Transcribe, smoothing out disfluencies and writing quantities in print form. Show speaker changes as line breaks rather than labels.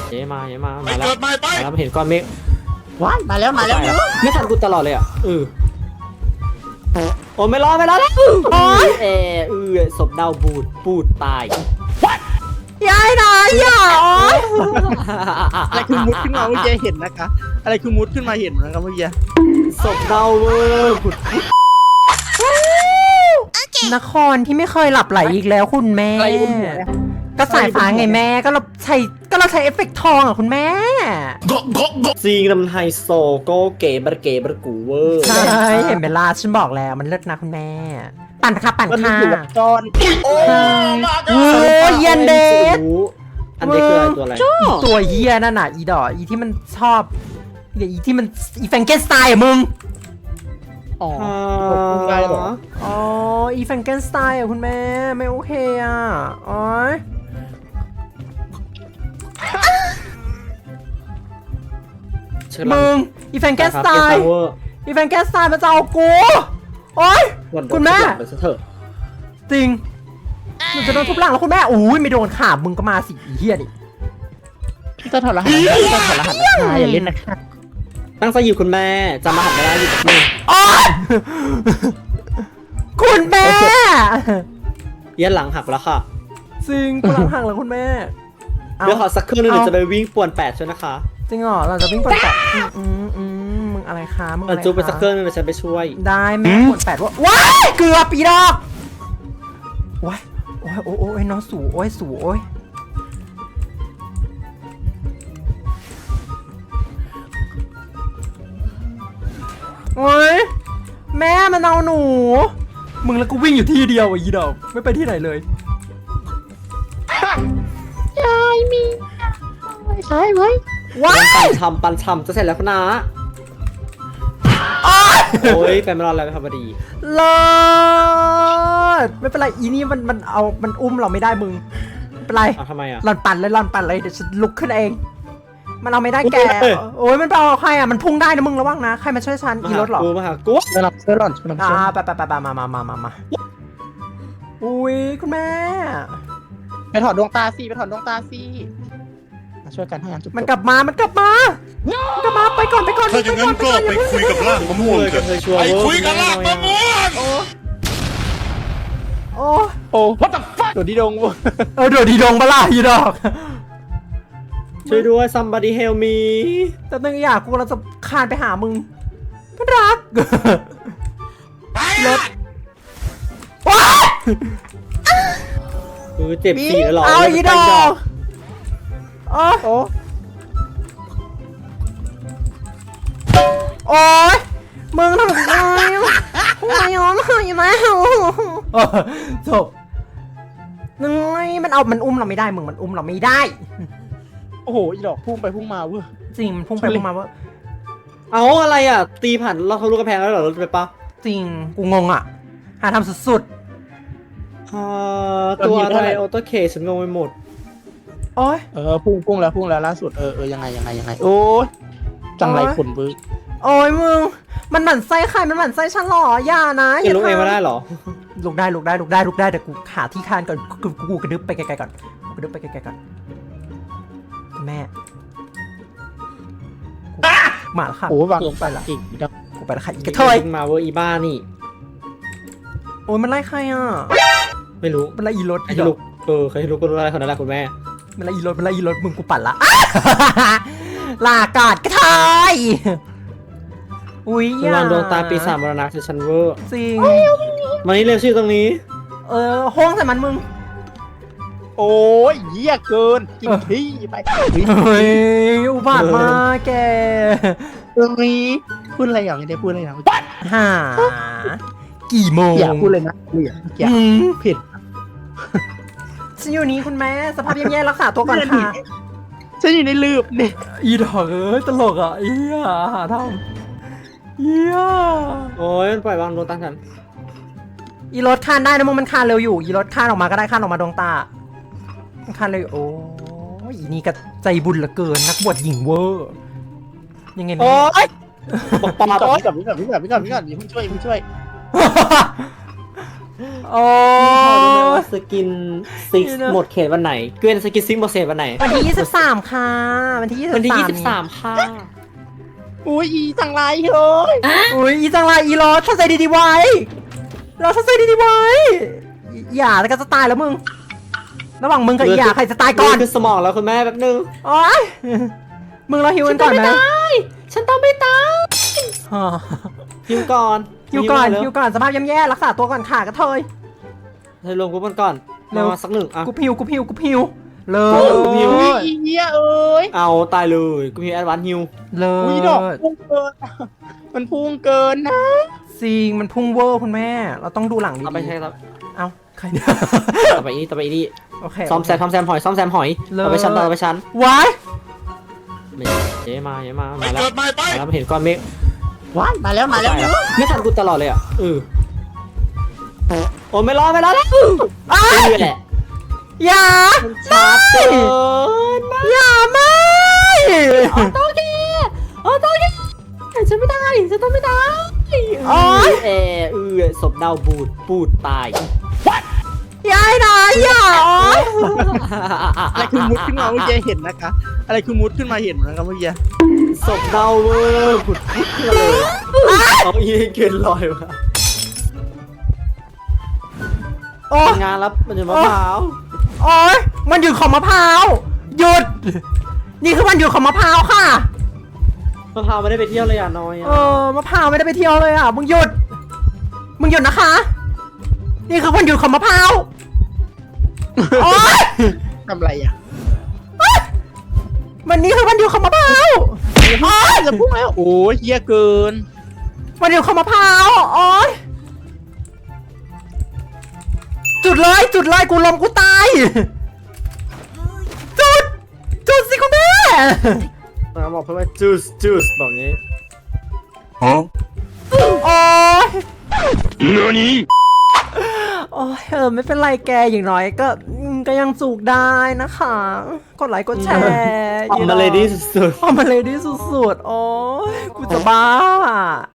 เย้มาแล้วมาแล้วเห็นก้อนเมฆ
ว้ายมาแล้วไม่
ทันกูตลอดเลยอ่ะโอ้ไม่รอดแล้วศพดาวปูดตาย
ยายนายอย่า
อะไรคือมุดขึ้นมาเมื่อกี้เห็นนะคะอะไรคือมุดขึ้นมาเห็นนะครับเมื่อกี้
ศพดาวผุด
นครที่ไม่เคยหลับไหลอีกแล้วคุณแม่ก็สายฟ้าไงแม่ก็เราใช้เอฟเฟกต์ทองอ่ะคุณแม่
ซีงลำไฮโซโกเก๋บรกูเวอร์
ใช่เห็นเวลาฉันบอกแล้วมันเลิศนะคุณแม่ปั่นค่ะ
จอน
โอ้ยเย็นเดช
อันนี้คืออะไรตัวอะไร
ตัวเฮียนั่นน่ะอีดออีที่มันชอบอีที่มันอีแฟรงเกนสไตน์อะมึง
อ๋อได้เหรอ
อ๋ออีแฟรงเกนสไตน์อะคุณแม่ไม่โอเคอ่ะอ๋อมึงอีแฟรงเกนสไตน์มันจะเอากูโอ๊ยคุณแม่จริงมันจะโดนทุบหลังแล้วคุณแม่อุ้ยไม่โดนขามึงก็มาสิเฮียดิ
จะถอดรหัสอย่าเล่นนะคะ
ตั้งใจอยู่คุณแม่จำรหัสไม่ได้อยู่กับมึง
คุณแม่
ยันหลังหักแล้วค่ะ
จริงกูหลังหักแล้วคุณแม่
เดี๋ยวขอสักครึ่งนึงเดี๋ยวจะไปวิ่งป่วน8ใช่ไหมคะ
จริงเหรอเราจะวิ่งป่วน8มึงอะไรคะมึงอะไร
จูไปสักครึ่งนึงเดี๋ยวฉันไปช่วย
ได้แม่ป่วน8ว่าว้ายเกือบปีดอกว้ายโอ้ยน้องสู่โอ้ยโอ้ยแม่มันเอาหนูมึงแล้วกูวิ่งอยู่ที่เดียวอีดอกไม่ไปที่ไหนเลย
ยายมีใช่ไหม
ว้ายปันทำจะเสร็จแล้วคุณนาโอ้ยแฟนมารอแล้วครับพอดี
เลิศไม่เป็นไรอีนี่มันอุ้มเราไม่ได้มึงเป็นไร
ทำไมอ่ะ
หล่อนปั่นเลยเดี๋ยวฉันลุกขึ้นเองมันเอาไม่ได้แกโอ้ยมันไปเอาใครอ่ะมันพุ่งได้นะมึงระวังนะใครมาช่วยฉันอีรถหรอ
มาหากู
ช่วยหล่อน
ไปมาอุ้ยคุณแม่
ไปถอดดวงตาสิมาช่วยกันให้งานจุ๊บ
มันกลับมาไปก่อน
ถ้าอย่างนั้นก็ไปคุยกับร่างมะม่วงกันไปคุยกับร่างมะม่วง
โอ้
what the fuck โดดดีดง
โดดดีดงบ้าล่ะอีดอก
ช่วยด้วย somebody help me
แต่นึงอยากกูเราจะคานไปหามึงมันรักรถว้า
เจ็บปีแล้วหรอ
เอาอีดอกโอ้ยมึงทำอะไรหัวย้อมอยู่ไหมจบนึงมันอุ้มเราไม่ได้มึงมันอุ้มเราไม่ได้
โอ้โหอีดอกพุ่งไปพุ่งมาเว้ย
จริงมันพุ่งไปพุ่งมาเว้ย
เอาอะไรอ่ะตีผ่านเราทะลุกระแพงแล้วเหรอรถไปปะ
จริงกูงงอ่ะหาทำสุด
ตัวอะไรออโต้เคฉันงงไปหมด
โอ้ย
พุ่งแล้วล่าสุดยังไงโอ้ยจังไรขนบึ้ง
โอ้ยมึงมันหมั่นไส้ใครมันหมั่นไส้ฉันหรออย่านะ
อย่าลุกเองมาได้หรอ
ลุกได้แต่กูหาที่คานก่อนกูกระดึ๊บไปไกลๆก่อนแม่มาแล้วค่ะ
โอ้วาง
ลงไปละกูไปละค่ะอีกระเทย
มาเวอร์อีบ้านี่
โอ้ยมันไล่ใครอ่ะ
ไม่รู้
มันไล่อีรถ
ใครลุกใครลุกก็รู้อะไรคนนั้นแหละคุณแม่
มันไล่อีรถมึงกูปั่นละลากาดกระเทยอุ้ย
วางดวงตาปีศาจมรณะคือฉันเวอร์
จริง
มานี่เร็วชื่อตรงนี้
ห้องใส่มันมึง
โอ้ยเหี้ยเกินกินที่ไป
เฮ้ยอุบาทมากแก
ตรงนี้พูดอะไรอย่างนี้ได้พูดอะไรอย่าง
หากี่โมง
อย่าพูดเลยนะอย่าผิด
ฉันอยู่นี้คุณแม่สภาพแย่ๆรักษาตัวก่อนค่ะ
ฉันอยู่ในลืบเนี่ย
อีดอกตลกอ่ะเอี้ยหาทำเอี้ย
โอ้ยมันปล่อยวางดวงตาฉัน
อีรถคานได้นะมึงมันคานเร็วอยู่อีรถคานออกมาก็ได้คานออกมาดวงตาคันเลยโอ้ยนี่ก็ใจบุญเหลือเกินนักบวชหญิงเวอร์ยังไง
โอ้ย
ปาก่อนพี่ก่อนอย่าเพิ่งช่วย
โอ้
พอรู้ไหมว่าสกินซิก
นี่นะ
หมดเขตวันไหนเกวียนสกินซิกหมดเขตวันไหน
วันที่23ค่ะวันที่23
วันที่23ค่ะ
อุ้ยอีจังไรเฮ้ย
อุ้ยอีจังไรอีรอถ้าใจดีๆไว้เราถ้าใจดีๆไว้อย่าแล้วก็จะตายแล้วมึงระหว่างมึงกับอีหยาใครจะตายก่อน
คือสมองแล้วคุณแม่แป๊บนึง
โอ๊ยมึงเราฮิวกันก่อนไหม
ฉันต้องไม่ตาย
ฮ่า
ฮิวก่อน
ฮิวก่อน
เร็
ฮิวก่อนสภาพย่ำแย่รักษาตัวก่อนค่ะกระเทย
เธอลงกูมันก่อน
เร็ว
มาสักหนึ่งอ่ะ
กูพิวเล
ฮิว
ย
อีเหี้ยเอ้ย
เอาตายเลยกูมีแอดวานซ์ฮิว
เล
อุ้ย
ย
ดอกพุ่งเกินมันพุ่งเกินนะ
ซิงมันพุ่งเวอร์คุณแม่เราต้องดูหลังดี
เอาไปใช่ครับ
เอาใครเนี่ย
ต่อไปนี่
โอเค
ซ่อมแซมหอยซ่อมแซมหอย
เลย
เอาไปชั้นเอาไปชั้น
ไว้
ไม่เจ๊มา
ไป
มาแล้ว
เกิดไม่ไป
มาแล้วมาเห็นก้อนเมฆ
ว้ายมาแล้ว
ไม่ทันกูตลอดเลยอ่ะโอ้ไม่รอดแล้ว
อ้าย
นี่แหละ
อย่า
มันชาร์จเกินมาก
อย่าไม่
ต้องแกฉันไม่ได้ฉันต้องไม่ได้
โอ๊ย
ศพเน่าปูดตาย
ยายนะอย่าโอ๊ย
อะไรคือมุดขึ้นมาเมื่อกี้เห็นนะคะ อะไรคือมุดขึ้นมาเห็นนะครับเมื่อกี้
ศพเน่าเวอร์ผุดขึ้นมาเลยเอาอีเกนลอยมา
โอ๊ย
ทำงานแล้วมันจะมะพร้าว
โอ๊ยมันหยุดของมะพร้าวหยุด นี่คือวันหยุดของมะพร้าวค่ะ
มะพร้าวไม่ได้ไปเที่ยวเลยอ่ะน้อย
เออมะพร้าวไม่ได้ไปเที่ยวเลยอ่ะมึงหยุดนะคะ นี่คือวันหยุดของมะพร้าวโอ๊ย
ทำไรอ่ะ
วันนี้คือวันหยุดของมะพร้าวโอ๊ย
จะพุ่งแล้ว โอ้ยเหี้ยเกิน
วันหยุดของมะพร้าวโอ๊ยจุดเลยกูลมกูตายจุดสิคุณแม่
บอกเพื่อนว่าจูสบอกงี้
ฮะ
โอ๊ย
何
โอ้ยไม่เป็นไรแกอย่างน้อยก็ยังจูกได้นะคะ กดไลค์กดแชร์
ออกมาเลยดีสุด
ออกมาเลยดีสุดๆ โอ้ยกูจะบ้า